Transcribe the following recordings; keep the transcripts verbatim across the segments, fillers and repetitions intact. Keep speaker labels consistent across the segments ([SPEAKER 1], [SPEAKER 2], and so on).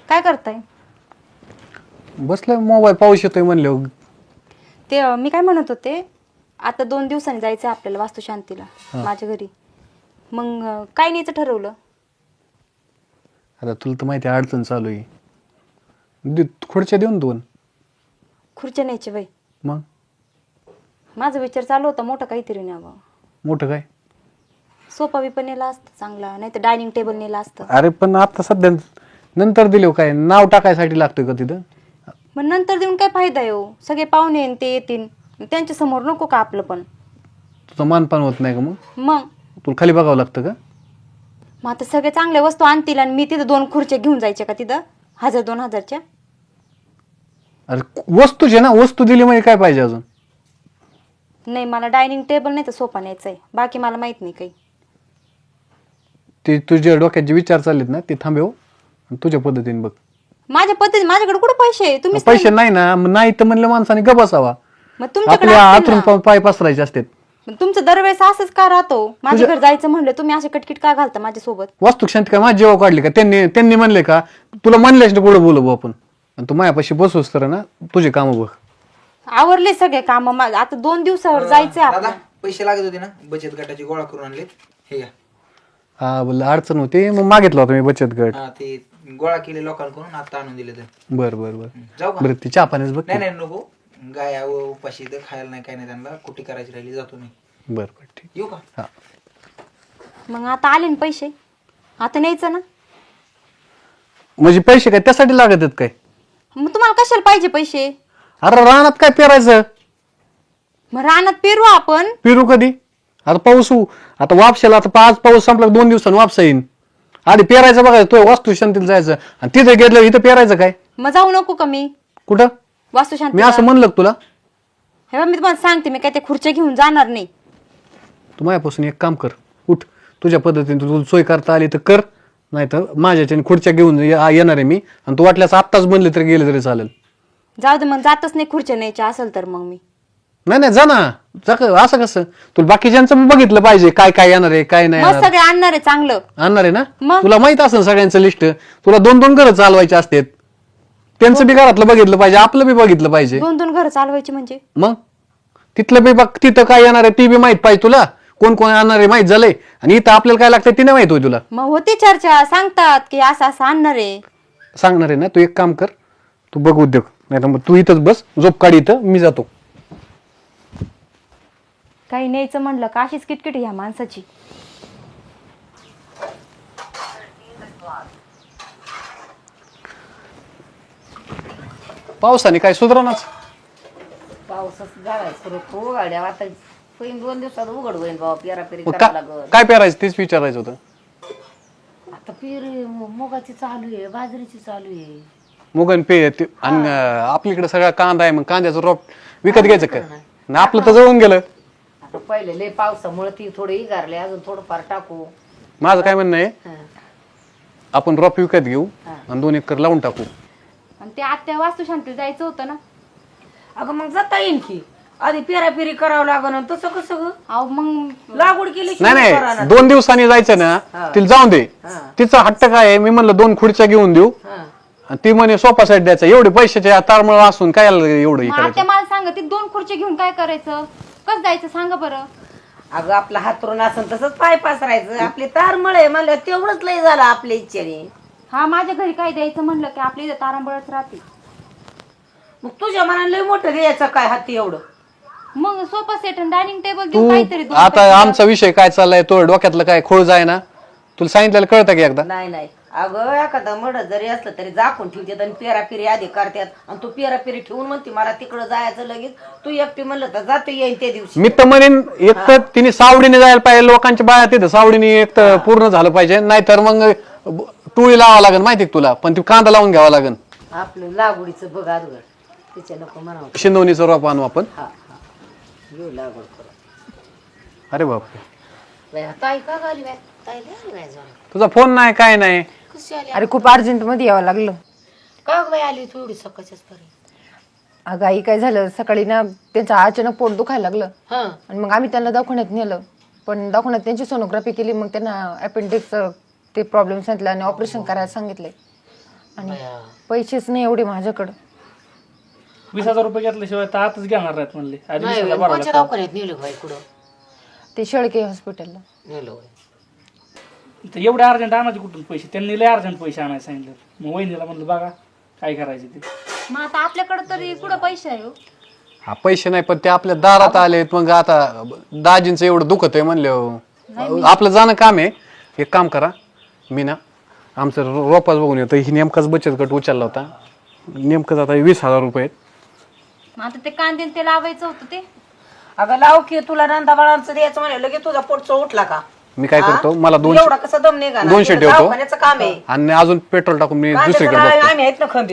[SPEAKER 1] काय करताय?
[SPEAKER 2] बसलोय मोबाईल पाऊस येतोय म्हणले.
[SPEAKER 1] ते अं, मी काय म्हणत होते, आता दोन दिवसांनी जायचं आपल्याला वास्तुशांतीला माझ्या घरी. मग अं, काय न्यायचं ठरवलं?
[SPEAKER 2] आता तुला तर माहिती आहे अडचण चालू आहे. दे- खुर्च्या देऊन दोन.
[SPEAKER 1] खुर्च्या न्यायचे बाई.
[SPEAKER 2] मग
[SPEAKER 1] माझा विचार चालू होता मोठं काहीतरी न्यावं.
[SPEAKER 2] मोठं काय?
[SPEAKER 1] सोफा बी पण नेला असतं चांगला, नाही तर डायनिंग टेबल नेला असतं.
[SPEAKER 2] अरे पण आता सध्या नंतर दिले काय नाव टाकायसाठी लागतोय का तिथं?
[SPEAKER 1] मग नंतर देऊन काय फायदा आहे हो? सगळे पाहुणे येईन ते येतील, त्यांच्या समोर नको का आपलं पण?
[SPEAKER 2] तुझं मानपान होत नाही का मग?
[SPEAKER 1] मग
[SPEAKER 2] तुला खाली बघावं लागतं का?
[SPEAKER 1] मग आता सगळे चांगल्या वस्तू आणतील आणि मी तिथं दोन खुर्च्या घेऊन जायच्या का तिथं हजार दोन हजारच्या?
[SPEAKER 2] अरे वस्तूचे ना, वस्तू दिली म्हणजे काय पाहिजे अजून?
[SPEAKER 1] नाही, मला डायनिंग टेबल नाही तर सोफा न्यायचा आहे. बाकी मला माहित नाही काही.
[SPEAKER 2] ते तुझ्या डोक्यात जे विचार चाललेत ना ते थांबव आणि तुझ्या पद्धतीने बघ.
[SPEAKER 1] माझ्या पद्धती माझ्याकडे कुठे पैसे आहे? तुम्ही
[SPEAKER 2] पैसे नाही ना, मग नाही तर म्हणलं माणसाने ग बसावा.
[SPEAKER 1] मग तुमच्याकडे
[SPEAKER 2] आपल्या
[SPEAKER 1] असतील
[SPEAKER 2] आतून
[SPEAKER 1] ना.
[SPEAKER 2] पाय पसरायचे असतात.
[SPEAKER 1] पण तुमचं दरवेळेस असंच का राहतो? माझ्या घर जायचं म्हणलं तुम्ही असे कटकिट का घालता माझ्यासोबत?
[SPEAKER 2] वास्तू शांती काय माझी जेव्हा काढली का त्यांनी त्यांनी म्हणले का तुला म्हणल्यास पुढे बोलू आपण आणि तू मायापाशी बसूस तर ना तुझे काम बघ.
[SPEAKER 1] आवरले सगळे काम. आता दोन दिवसावर जायचंय
[SPEAKER 3] दादा
[SPEAKER 1] आपल्याला.
[SPEAKER 3] पैसे लागत होते ना, बचत गटाची गोळा करून आणले. हे घ्या.
[SPEAKER 2] हा बोल अडचण होती मग मागितला होता मी बचत गट.
[SPEAKER 3] हा ते गोळा केले लोकांकडून, आता आणून दिले तर.
[SPEAKER 2] बर बर बर
[SPEAKER 3] जाऊ का?
[SPEAKER 2] बरं ती चहा पाण्याच बघ.
[SPEAKER 3] नाही नाही नको, गाय उपाशी तर खायला नाही, काय नाही, त्यांना कुठे करायची राहिली, जातो मी.
[SPEAKER 2] बर बर ठीक.
[SPEAKER 3] येऊ का?
[SPEAKER 2] हा
[SPEAKER 1] मग आता आले ना पैसे, आता न्यायचं ना.
[SPEAKER 2] म्हणजे पैसे काय त्यासाठी लागत आहेत काय?
[SPEAKER 1] मग तुम्हाला कशाला पाहिजे पैसे?
[SPEAKER 2] अरे रानात काय पेरायचं?
[SPEAKER 1] मग रानात पेरू आपण.
[SPEAKER 2] पेरू कधी? आता पाऊस होऊ आता वापशाला आता पाच पाऊस संपला दोन दिवसांनी वापसा येईन. आधी पेरायचं बघायचं तो वास्तू शांतीला जायचं आणि तिथे गेलं इथं पेरायचं काय?
[SPEAKER 1] मग जाऊ नको का मी
[SPEAKER 2] कुठं?
[SPEAKER 1] वास्तुशांती?
[SPEAKER 2] मी असं म्हणलं का तुला?
[SPEAKER 1] हे बघ, मी तुम्हाला सांगते, मी काय त्या खुर्च्या घेऊन जाणार नाही.
[SPEAKER 2] तू माझ्यापासून एक काम कर, उठ तुझ्या पद्धतीने तुला सोय करता आली तर कर, नाही तर माझ्याच्या खुर्च्या घेऊन ये- येणार आहे मी आणि तू वाटल्यास आत्ताच बनले तरी गेले तरी चालेल.
[SPEAKER 1] जाऊ दे मग, जातच नाही खुर्च्या न्यायच्या असेल तर मग मी.
[SPEAKER 2] नाही नाही जा ना, जा क- असं कसं तुला बाकीच्यांचं पण बघितलं पाहिजे काय काय येणार आहे काय नाही
[SPEAKER 1] मग
[SPEAKER 2] येणार.
[SPEAKER 1] सगळे आणणार आहे चांगलं.
[SPEAKER 2] आणणार आहे ना?
[SPEAKER 1] मग?
[SPEAKER 2] तुला माहित असेल सगळ्यांचं लिस्ट. तुला दोन दोन घरं चालवायचे असतात, त्यांचं बी घरातलं बघितलं पाहिजे, आपलं बी बघितलं पाहिजे.
[SPEAKER 1] दोन दोन घर चालवायची म्हणजे?
[SPEAKER 2] मग तिथलं बी बघ, तिथं काय येणार आहे ती बी माहित पाहिजे तुला, कोण कोण येणार आहे माहित झालंय, आणि इथं आपल्याला काय लागतंय ती नाही माहित होय तुला.
[SPEAKER 1] मग होती चर्चा, सांगतात की असं असं आणणार आहे.
[SPEAKER 2] सांगणार आहे ना, तू एक काम कर, तू बघ उद्योग, नाही तर मग तू इथंच बस, झोप काढ इथं, मी जातो.
[SPEAKER 1] काही न्यायचं म्हणलं का अशीच किटकिट ह्या माणसाची.
[SPEAKER 2] पावसाने काय सुधारणाच.
[SPEAKER 4] पावसाच झालाय सुरू तो गाड्या आता होईन दोन दिवसात उघड होईन बाबा, पेरा पेरी
[SPEAKER 2] मग
[SPEAKER 4] करावं
[SPEAKER 2] का-
[SPEAKER 4] लागल.
[SPEAKER 2] काय पेरायचं तेच विचारायचं होतं.
[SPEAKER 4] आता पेरी मुगाची चालू आहे, बाजरीची चालू आहे.
[SPEAKER 2] मुगन पे ते- आणि अं, आपल्याकडे सगळा कांदा आहे, मग कांद्याचं रोप विकत घ्यायचं काय? आणि आपलं तर जळून गेलं.
[SPEAKER 4] आता पहिले लय पावसामुळे ती थोडी इगारले, अजून थोडंफार टाकू.
[SPEAKER 2] माझं काय म्हणणं आहे,
[SPEAKER 4] हं.
[SPEAKER 2] आपण रोप विकत घेऊ
[SPEAKER 4] हा.
[SPEAKER 2] आणि दोन एकर लावून टाकू.
[SPEAKER 1] आणि ते आत्या वास्तुशांती जायचं होतं ना.
[SPEAKER 4] अगं मग जाता येईन की, आधी पेरा पेरी करावं लागल. आणि तसं कसं ग?
[SPEAKER 1] अहो मग
[SPEAKER 4] लागवड केली की
[SPEAKER 2] नाही
[SPEAKER 4] करा
[SPEAKER 2] नाही
[SPEAKER 4] ना.
[SPEAKER 2] दोन दिवसांनी जायचं ना,
[SPEAKER 4] हा.
[SPEAKER 2] तिला जाऊन दे.
[SPEAKER 4] हा.
[SPEAKER 2] तिचा हट्ट काय आहे, मी म्हणलं दोन खुर्च्या घेऊन देऊ
[SPEAKER 4] हं.
[SPEAKER 2] आणि ती म्हणे सोफा सेट द्यायचा. एवढे पैशाचे तारमळ असून काय एवढं हे
[SPEAKER 1] मग
[SPEAKER 2] करायचं?
[SPEAKER 1] आत्या मला सांगा, ती दोन खुर्ची घेऊन काय करायचं? कसं जायचं सांगा बरं.
[SPEAKER 4] अगं आपला हातरून असं तसंच पाय पसरायचं. आपली तार मळे म्हणलं तेवढंच लय झालं आपल्या इच्छेने.
[SPEAKER 1] हा, माझ्या घरी काय द्यायचं म्हणलं की आपली इथं तारांबळच राहते.
[SPEAKER 4] मग तुझ्या मनाला लय मोठं घ्यायचं काय हाती एवढं?
[SPEAKER 1] मग सोफा सेट आणि डायनिंग टेबल
[SPEAKER 2] तू
[SPEAKER 1] देऊ काहीतरी दोन
[SPEAKER 2] आता
[SPEAKER 1] पैसे.
[SPEAKER 2] आमचा विषय काय चाललाय, तो डोक्यातलं काय खोळ जाय ना, तुला सांगितलेलं कळतं की एकदा?
[SPEAKER 4] नाही नाही अगं एखादा मड जरी असलं तरी झाकून ठेवतात आणि पेरा पेरी आधी करतात. आणि तू पेरा पेरी ठेवून म्हणते मला तिकडं जायचं लगेच. तू एकटी म्हणलं तर जातो येईन त्या दिवशी.
[SPEAKER 2] मी तर म्हणेन एक तर तिने सावडीने जायला पाहिजे, लोकांच्या बाया तिथं सावडीने एक तर पूर्ण झालं पाहिजे, नाहीतर मग टुळी लावावं लागेल माहिती का तुला, पण ती कांदा लावून घ्यावा लागेल.
[SPEAKER 4] आपलं लागवडीचं बघ अगोदर, तिच्या नको म्हणावं.
[SPEAKER 2] शिंदवणीचं रोप आणू आपण.
[SPEAKER 4] हा हा घेऊ लागवड करू.
[SPEAKER 2] अरे बापरे,
[SPEAKER 4] बाई, ताई का गाली बाय? ताई लय आली बाय जरा.
[SPEAKER 2] तुझा फोन नाही काय नाही.
[SPEAKER 4] कशी आली?
[SPEAKER 5] अरे खूप अर्जंट मध्ये यावं लागलं.
[SPEAKER 4] का गं बाई आली थोडी सकाळच्याच पर्यंत?
[SPEAKER 5] अगं आई काय झालं, सकाळी ना त्यांचं अचानक पोट दुखायला लागलं
[SPEAKER 4] हा
[SPEAKER 5] आणि मग आम्ही त्यांना दवाखान्यात नेलं. पण दवाखान्यात त्यांची सोनोग्राफी केली, मग त्यांना अपेंडिक्स ते प्रॉब्लेम सांगितलं आणि ऑपरेशन करायला सांगितलंय. आणि पैसेच नाही एवढे माझ्याकडं.
[SPEAKER 6] वीस हजार रुपये घेतल्याशिवाय तर आताच घेणार नाहीत म्हणले आधी वीस हजार भरावं
[SPEAKER 4] कोणत्या
[SPEAKER 6] लागतं.
[SPEAKER 4] दवाखान्यात नेलं बाई कुठं
[SPEAKER 5] ते शेळके हॉस्पिटलला.
[SPEAKER 4] नेलं बाई.
[SPEAKER 6] तर एवढे अर्जंट आणायचे कुठून पैसे, त्यांनी लय अर्जंट पैसे आणायला सांगितलं. मग वहिनीला म्हणलं बघा काय करायचे ते.
[SPEAKER 1] मग आता आपल्याकडे तरी कुठं पैसे आहे हो?
[SPEAKER 2] हा पैसे नाही पण ते आपल्या दारात आलेत. मग आता दाजींचं एवढं दुखत आहे म्हणलं आपलं जाणं काम आहे. एक काम करा, मी ना आमचं रो- रोपाच बघून येतो. ही नेमकाच बचत गट उचलला होता, नेमकंच आता वीस हजार रुपये आहेत.
[SPEAKER 1] मग आता ते कांदे ते लावायचं होतं ते.
[SPEAKER 4] अगं लाव की तुला नंदा बाळांचं द्यायचं म्हणे लगेच तुझा पोटचा उठला का?
[SPEAKER 2] मी काय करतो, मला
[SPEAKER 4] तू
[SPEAKER 2] दोनशे
[SPEAKER 4] एवढा कसा दम निघा
[SPEAKER 2] दोनशे ठेवतो
[SPEAKER 4] दवाखान्याचं काम आहे.
[SPEAKER 2] आणि अजून पेट्रोल टाकून मी
[SPEAKER 4] कांद्याचं
[SPEAKER 2] दुसरीकडे
[SPEAKER 4] नारळ
[SPEAKER 2] बघतो.
[SPEAKER 4] आम्ही आहेत ना खंबीर.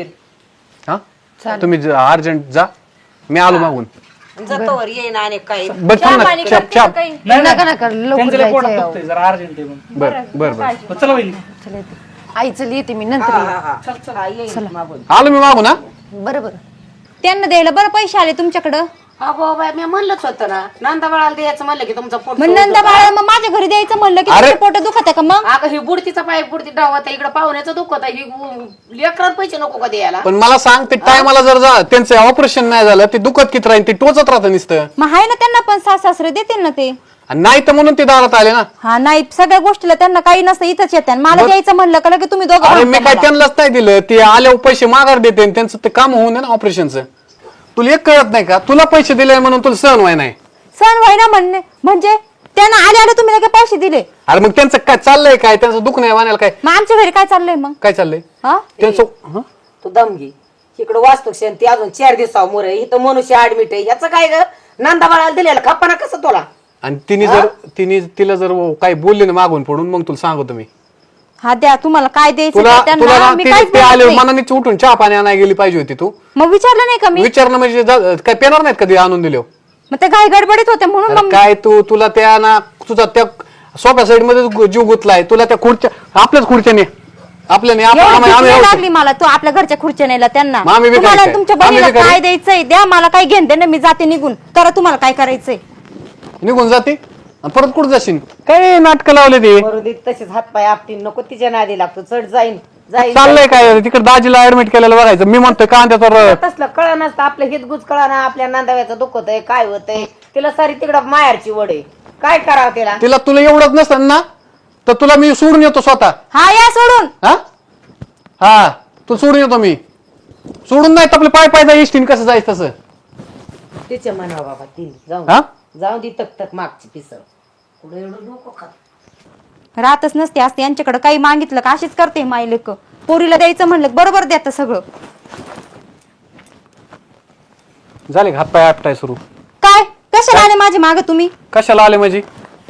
[SPEAKER 2] हा तुम्ही अर्जंट जा, मी आलो मागून.
[SPEAKER 4] जातो वर येईन आणि काय
[SPEAKER 2] बरं थांब ना, छाप छाप.
[SPEAKER 1] काही
[SPEAKER 6] नाही
[SPEAKER 5] नका
[SPEAKER 6] नाही,
[SPEAKER 5] नका लवकर
[SPEAKER 6] त्यांचं लय पोटात
[SPEAKER 5] जायचंय.
[SPEAKER 6] दुखतंय, जरा अर्जंट आहे म्हणून.
[SPEAKER 2] बर बर बर
[SPEAKER 6] मग चला वहिनी.
[SPEAKER 5] चला येते. आई चल येते मी नंतर येईन.
[SPEAKER 4] हा, येईन मागून.
[SPEAKER 2] आलो मी मागून. हा
[SPEAKER 5] बरं बरं.
[SPEAKER 1] त्यांना द्यायला बरं पैसे आले तुमच्याकडं.
[SPEAKER 4] अगो बाय मी म्हणलंच होतं ना नंदा बाळाला द्यायचं म्हणलं की तुमचा पोट
[SPEAKER 1] मग नंदा बाळा मग माझ्या घरी द्यायचं म्हणलं की
[SPEAKER 2] अरे!
[SPEAKER 1] तुमचं पोट दुखत आहे का मग?
[SPEAKER 4] अगं ही बुडतीचा पाय बुडती डावत इकडे पाहुण्याचं दुखत आहे ही लेकरात पैसे नको का द्यायला.
[SPEAKER 2] पण मला सांग, ते टायमाला जर जा त्यांचं ऑपरेशन नाही झालं ते दुखत किती राहील, ते टोचत राहतं नुसतं.
[SPEAKER 1] मग आहे ना त्यांना पण सास सासरे देतील ना ते.
[SPEAKER 2] आणि नाही तर म्हणून ते दारात आले ना.
[SPEAKER 1] हा नाही सगळ्या गोष्टीला त्यांना काही नसतं इथंच येते. मला द्यायचं म्हणलं का लगेच तुम्ही दोघं
[SPEAKER 2] अरे मी
[SPEAKER 1] भांडता
[SPEAKER 2] काय
[SPEAKER 1] मला.
[SPEAKER 2] त्यांनाच नाही दिलं, ते आल्यावर पैसे माघार देते आणि त्यांचं ते काम होऊन ना ऑपरेशनचं. तुला एक कळत नाही का, तुला पैसे दिले म्हणून तुला सहन व्हाय नाही.
[SPEAKER 1] सण व्हायना म्हणणे म्हणजे त्यांना आले आले तुम्ही लगेच पैसे दिले.
[SPEAKER 2] अरे मग त्यांचं काय चाललंय, काय त्यांचं दुःख नाही वाण्याला काय
[SPEAKER 1] मग आमच्या घरी काय चाललंय मग?
[SPEAKER 2] काय चाललंय
[SPEAKER 1] हा
[SPEAKER 2] त्यांचं? हं?
[SPEAKER 4] तू दम घे इकडे वास्तू ती अजून चार दिवसावर मोर इथं मनुष्य ऍडमिट आहे याचं काय ग नंदा बाळाला दिलेलं खप्पाना कसं तुला.
[SPEAKER 2] आणि तिने जर तिने तिला जर काही बोलले ना मागून पडून, मग तुला सांगतो मी.
[SPEAKER 1] हा द्या तुम्हाला काय द्यायचं
[SPEAKER 2] तुला
[SPEAKER 1] ते
[SPEAKER 2] तुला
[SPEAKER 1] त्यांना
[SPEAKER 2] ना
[SPEAKER 1] मी
[SPEAKER 2] ते-
[SPEAKER 1] काहीच
[SPEAKER 2] ते
[SPEAKER 1] बोलत
[SPEAKER 2] आले
[SPEAKER 1] नाही.
[SPEAKER 2] मनानेच उठून चहा पाणी आणायला गेली पाहिजे होती तू.
[SPEAKER 1] मग विचारलं नाही का मी?
[SPEAKER 2] विचारणं म्हणजे जा- काय पेणार नाहीत कधी आणून दिले.
[SPEAKER 1] मग ते घाई गडबडीत होते म्हणून
[SPEAKER 2] अरे
[SPEAKER 1] मग
[SPEAKER 2] काय तू तुला त्या ना तुझा त्या सोप्या साईड मध्ये जीव गुतलाय. तुला त्या खुर्च्या आपल्याच खुर्च्याने आपल्याने आप-
[SPEAKER 1] एवढी
[SPEAKER 2] आम्ही-
[SPEAKER 1] भीती
[SPEAKER 2] आम्ही
[SPEAKER 1] नाही
[SPEAKER 2] आहोत.
[SPEAKER 1] लागली मला तू आपल्या घरच्या खुर्च्या नेला त्यांना.
[SPEAKER 2] मग आम्ही बी
[SPEAKER 1] तुम्हाला
[SPEAKER 2] काय-
[SPEAKER 1] तुमच्या
[SPEAKER 2] आम्ही
[SPEAKER 1] बहिणीला
[SPEAKER 2] बी काय-
[SPEAKER 1] काय द्यायचंय द्या, मला काय घेऊन दे ना, मी जाते निघून. करा तुम्हाला काय करायचंय.
[SPEAKER 2] निघून जाते आणि परत कुठं जाशील? काय नाटकं लावले ते?
[SPEAKER 4] करू दे तसेच हातपाय आपटीन नको तिच्या नादी लागतो चढ जाईन जाईन
[SPEAKER 2] चाललंय काय तिकडे दाजीला ऍडमिट केलेलं बघायचं. मी म्हणतोय कांद्याचा र-
[SPEAKER 4] तसलं कळा नसतं आपलं हितगुज कळा ना आपल्या नांदाव्याचं दुखत आहे काय होतंय तिला सारी तिकडं माहेरची वड आहे काय करावं तिला.
[SPEAKER 2] तिला तुला एवढंच नसतं ना तर तुला मी सोडून येतो स्वतः.
[SPEAKER 1] हा या सोडून.
[SPEAKER 2] हा हा तू सोडून येतो मी. सोडून नाही तर आपले पाय पाय जाय इष्टीन कसं जायचं तसं.
[SPEAKER 4] तिच्या म्हणा बाबा ती जाऊन
[SPEAKER 2] हा
[SPEAKER 4] जाऊ दे तक तक मागची पिसळ पुढे एवढं डोकं खात.
[SPEAKER 1] राहतच नसते असते यांच्याकडे काही मागितलं का अशीच करते माई लेक. पोरीला द्यायचं म्हणलं बरोबर देतं सगळं.
[SPEAKER 2] झाले हात पाय आपटाय सुरू.
[SPEAKER 1] काय कशाला आले माझे माग तुम्ही?
[SPEAKER 2] कशाला आले माझी?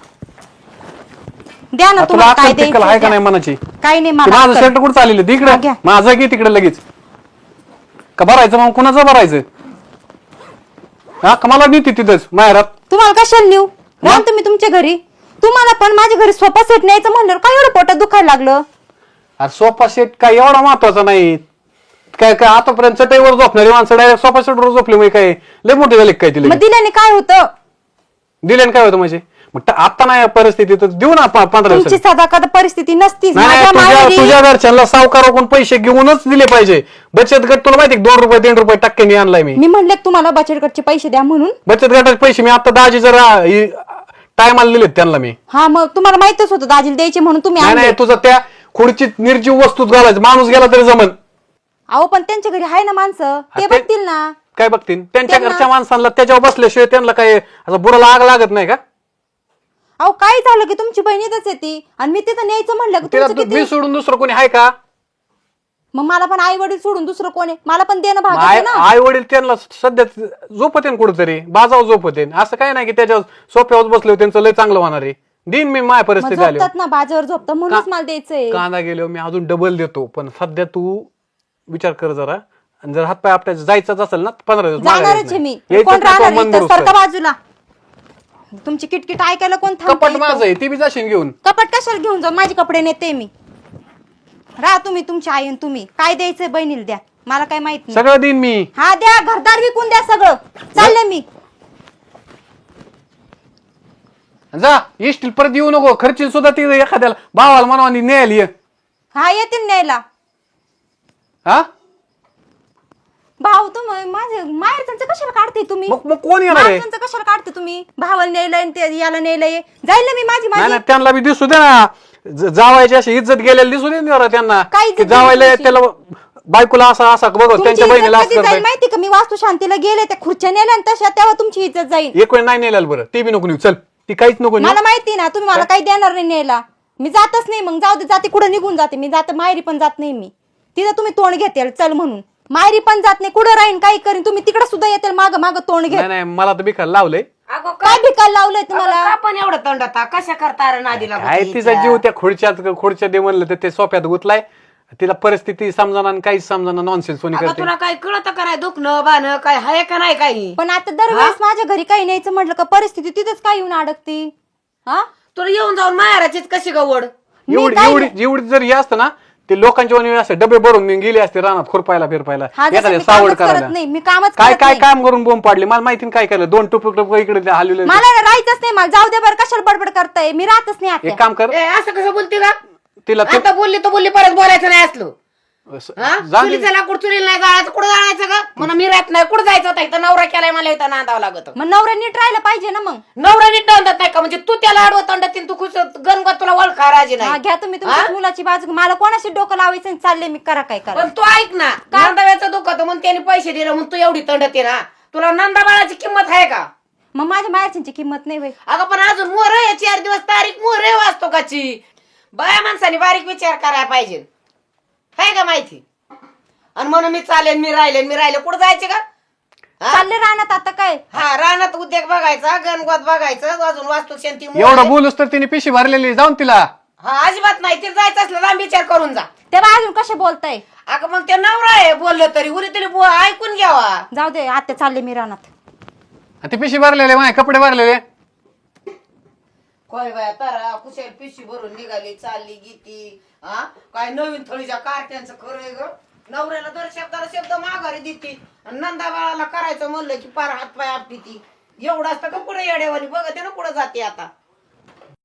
[SPEAKER 1] द्या ना
[SPEAKER 2] तुला
[SPEAKER 1] तुम्हाला काय
[SPEAKER 2] अक्कल तिक्कल आहे का
[SPEAKER 1] द्यायचं
[SPEAKER 2] नाही मनाची?
[SPEAKER 1] काही नाही
[SPEAKER 2] ते
[SPEAKER 1] मला
[SPEAKER 2] माझं
[SPEAKER 1] अक्कल.
[SPEAKER 2] शर्ट कुठं चाललेलं
[SPEAKER 1] हा,
[SPEAKER 2] तिकडे
[SPEAKER 1] घ्या.
[SPEAKER 2] माझं की तिकडे लगेच का भरायचं मग कुणाचं भरायचं? हा का मला नीती तिथंच माहेरात.
[SPEAKER 1] तुम्हाला कशाला नेऊ? राम तुम्ही तुमच्या घरी. तुम्हाला पण माझ्या घरी सोफा सेट न्यायचं म्हणलं काय एवढं पोटात दुखायला लागलं?
[SPEAKER 2] अरे सोफा सेट काय एवढा महत्वाचा नाही. काय काय आतापर्यंत चटईवर झोपणारी माणसं डायरेक्ट सोफा सेटवर झोपले म्हणजे काय लय मोठे झाले काय तिला?
[SPEAKER 1] मग दिल्याने काय होतं?
[SPEAKER 2] दिल्याने काय होतं म्हणजे? मग ट- आता नाही परिस्थिती तर देऊ ना प- पंधरा
[SPEAKER 1] तुमची
[SPEAKER 2] दिवसांनी.
[SPEAKER 1] सदा कदा परिस्थिती नसतीच.
[SPEAKER 2] नाही नाही,
[SPEAKER 1] माझ्या
[SPEAKER 2] तुझ्या
[SPEAKER 1] माहेरी-
[SPEAKER 2] तुझ्या घरच्यांना सावकाराकडून पैसे घेऊनच दिले पाहिजे. बचत गट तुला माहिती दोन रुपये तीन रुपये टक्क्यांनी आणलाय मी.
[SPEAKER 1] मी म्हणले तुम्हाला बचत गटचे पैसे द्या म्हणून.
[SPEAKER 2] बचत गटाचे पैसे मी आता दाजी जरा टायमाला दिलेत त्यांना मी.
[SPEAKER 1] हा मग तुम्हाला माहितच होतं दाजीला द्यायचे म्हणून तुम्ही
[SPEAKER 2] नाही
[SPEAKER 1] आणले.
[SPEAKER 2] नाही तुझं त्या खुर्चीत निर्जीव वस्तूच घालायचं. माणूस गेला तरी जमन.
[SPEAKER 1] अहो पण त्यांच्या घरी आहे ना माणसं ते
[SPEAKER 2] ते-
[SPEAKER 1] बघतील ना.
[SPEAKER 2] काय बघतील त्यांच्या
[SPEAKER 1] त्यांना-
[SPEAKER 2] घरच्या माणसांना त्याच्यावर बसल्याशिवाय त्यांना काय असं बुडाला आग लागत नाही का?
[SPEAKER 1] अहो काय झालं की तुमची बहीण इथंच येते आणि मी तिथं न्यायचं म्हणलं की
[SPEAKER 2] तिला
[SPEAKER 1] तुमचं
[SPEAKER 2] तू-
[SPEAKER 1] किती-
[SPEAKER 2] मी सोडून दुसरं कोणी आहे का?
[SPEAKER 1] मग मला पण आई वडील सोडून दुसरं कोण आहे? मला पण देणं भाग आहे ना.
[SPEAKER 2] आई वडील त्यांना सध्या झोपतेन कुठेतरी बाजावर झोपतेन. असं काय नाही की त्याच्यावर सोप्यावर बसले त्यांचं लय चांगलं होणार आहे. दिन मी माझ्या
[SPEAKER 1] मग
[SPEAKER 2] परिस्थिती आली
[SPEAKER 1] झोपतात ना बाजावर झोपतात म्हणूनच मला द्यायचंय.
[SPEAKER 2] कांदा गेलो मी अजून डबल देतो. पण सध्या तू विचार कर जरा. आणि जर हातपाय आपल्याला जायचंच असेल ना पंधरा दिवस माघारी
[SPEAKER 1] जाणारच आहे मी.
[SPEAKER 2] यायचं. यायचं
[SPEAKER 1] कोण
[SPEAKER 2] नाही तो
[SPEAKER 1] राहणार
[SPEAKER 2] मन
[SPEAKER 1] इथं?
[SPEAKER 2] दुरुस्त.
[SPEAKER 1] सरका बाजूला. तुमची किटकिट ऐकायला कोण
[SPEAKER 2] कपाट
[SPEAKER 1] थांबतं
[SPEAKER 2] माझं
[SPEAKER 1] इथं?
[SPEAKER 2] आहे ती बी जाशील घेऊन.
[SPEAKER 1] कपाट कशाला घेऊन जाऊ? माझे कपडे नेते मी. राहा तुम्ही तुमची आई आणि तुम्ही काय द्यायचंय बहिणीला द्या. मला काय माहित नाही.
[SPEAKER 2] सगळं देईन मी.
[SPEAKER 1] हा द्या घरदार विकून द्या सगळं. चालले मी.
[SPEAKER 2] जा इष्टील परत येऊ नको. खर्चील सुद्धा ती एखाद्याला भावाला म्हणावा न्यायला ये.
[SPEAKER 1] हा येतील न्यायला.
[SPEAKER 2] हा
[SPEAKER 1] भाऊ तुम्ही माझे माहेरचं कशाला काढते तुम्ही
[SPEAKER 2] मग मग कोण येणार आहे
[SPEAKER 1] माहेरचं कशाला काढते तुम्ही भावाला नेलंय आणि ते याला नेलंय जाईल ना मी माझी
[SPEAKER 2] नाही
[SPEAKER 1] माझी
[SPEAKER 2] ना त्यांना बी दिसू दे ना ज- जावायची अशी इज्जत गेलेली दिसू दे ना जरा त्यांना
[SPEAKER 1] काय इज्जत
[SPEAKER 2] की जावायला
[SPEAKER 1] गेलेली?
[SPEAKER 2] त्याला बायकोला असा असा बघ
[SPEAKER 1] तुमची
[SPEAKER 2] त्यांच्या
[SPEAKER 1] इज्जत
[SPEAKER 2] बहिणीला
[SPEAKER 1] कधी
[SPEAKER 2] असं
[SPEAKER 1] जाईल
[SPEAKER 2] करताय
[SPEAKER 1] माहिती का मी वास्तू शांतीला गेले त्या खुर्च्या नेल्या आणि तशा तेव्हा तुमची इज्जत जाईल
[SPEAKER 2] एक वेळ नाही नेलेलं बरं ते बी नको नेऊ चल ती काहीच नको नेऊ
[SPEAKER 1] मला माहिती ना तुम्ही मला काही देणार नाही न्यायला मी जातच नाही मग जाऊ दे जाते कुठं निघून जाते मी जाते माहेरी पण जात नाही मी तिथं तुम्ही तोंड घेते चल म्हणून माहेरी पण जात नाही कुठं राहीन काही करीन तुम्ही तिकडे सुद्धा येते माग माग तोंड घेत
[SPEAKER 2] नाही नाही मला तर बिखार लावलंय
[SPEAKER 4] अगो
[SPEAKER 1] काय भिकायला लावलंय तुम्हाला
[SPEAKER 4] का पण एवढं तंडता कशा करता रे नादीला
[SPEAKER 2] काय तिचा जीव त्या खुर्च्यात खुर्च्या दे म्हणलं तर ते सोप्यात गुतलाय तिला परिस्थिती समजाना आणि काहीच समजाना नॉनसेन्स कोणी
[SPEAKER 4] अगं
[SPEAKER 2] करते
[SPEAKER 4] तुला काय कळत का नाही दुखणं बाणं काय हाय का नाही काही
[SPEAKER 1] पण आता दरवेळेस माझ्या घरी काही न्यायचं म्हटलं का परिस्थिती तिथंच काय येऊन अडकती हा
[SPEAKER 4] तुला येऊन जाऊन माहेराचीच कशी गवड
[SPEAKER 2] एवढी एवढी एवढी जर हे असतं ना ते लोकांच्या वणी असे डबे भरून गेले असते रानात खुरपायला फिरपायला
[SPEAKER 1] हा जसं
[SPEAKER 2] एखाद्या
[SPEAKER 1] मी
[SPEAKER 2] सावड
[SPEAKER 1] कामच करत
[SPEAKER 2] करायला
[SPEAKER 1] नाही मी कामच
[SPEAKER 2] काय
[SPEAKER 1] करत
[SPEAKER 2] काय
[SPEAKER 1] नाही.
[SPEAKER 2] काम करून बोंब पाडली मला माहिती नाही काय केलं दोन टुपक टुपक इकडे हलवले
[SPEAKER 1] मला ना राहायचंच नाही मला जाऊ दे बरं कशाला बडबड करताय मी राहतच नाही आता
[SPEAKER 2] एक काम कर
[SPEAKER 4] ए असं कसं बोलते का
[SPEAKER 2] तिला ते-
[SPEAKER 4] आता बोलली तर बोलली परत बोलायचं नाही असलो
[SPEAKER 2] स-
[SPEAKER 4] हा
[SPEAKER 2] जाऊ दे.
[SPEAKER 4] चुलीचा लाकूड चुलीला नाही जायचं कुठं जायचं का म्हणून मी राहत नाही कुठं जायचं होता इथं नवरा केलाय मला इथं नांदावं लागत
[SPEAKER 1] मग नवऱ्या नीट राहायला पाहिजे ना मग
[SPEAKER 4] नवरा नीट तंडत नाही का म्हणजे तू त्याला आडवं तंडत तू खुश गणगत तुला ओळखा राजी
[SPEAKER 1] हा,
[SPEAKER 4] नाही
[SPEAKER 1] घ्या तुम्ही तुमच्या मुलाची बाजू मला कोणाशी डोकं लावायचं आणि चालले मी करा काय करा
[SPEAKER 4] पण तू ऐक ना नंदाव्याचं दुखत म्हणून त्याने पैसे दिले म्हणून तू एवढी तंडते ना तुला नंदा बाळाची किंमत आहे का
[SPEAKER 1] मग माझ्या मायाची किंमत नाही होय
[SPEAKER 4] अगं पण अजून मोर आहे चार दिवस तारीख मोर आहे वाचतो काची बाया माणसाने बारीक विचार करायला पाहिजे आहे का माहिती आणि म्हणून मी चालेल मी राहिले मी राहिले कुठं जायचे का हा?
[SPEAKER 1] चालले राहण्यात आता काय
[SPEAKER 4] हा रानात उद्योग बघायचा गणगोत बघायचं अजून वास्तू शांती मोर
[SPEAKER 2] एवढं
[SPEAKER 4] आहे.
[SPEAKER 2] बोलूस तर तिने पिशी भरलेली जाऊन तिला
[SPEAKER 4] हा अजिबात नाही ते जायचं असलं लांब विचार करून जा
[SPEAKER 1] तेव्हा अजून कसे बोलताय
[SPEAKER 4] अगं मग ते नवरा आहे बोललं तरी उरी तरी बो- ऐकून घ्यावा
[SPEAKER 1] जाऊ दे आता चालले मी राहण्यात
[SPEAKER 2] आणि ते पिशी भरलेले माझे कपडे भरलेले
[SPEAKER 4] काय बाया तारा कुशल पिशी भरून निघाली चालली गीती हा काय नवीन थळीच्या कार्ट्यांचं खरंय ग नवऱ्याला दर शब्दाला शब्द माघारी देते आणि नंदा बाळाला करायचं म्हणलं की पार हात पाय आपली ती एवढं असतं का पुढे येड्यावानी बघते ना पुढे जाते आता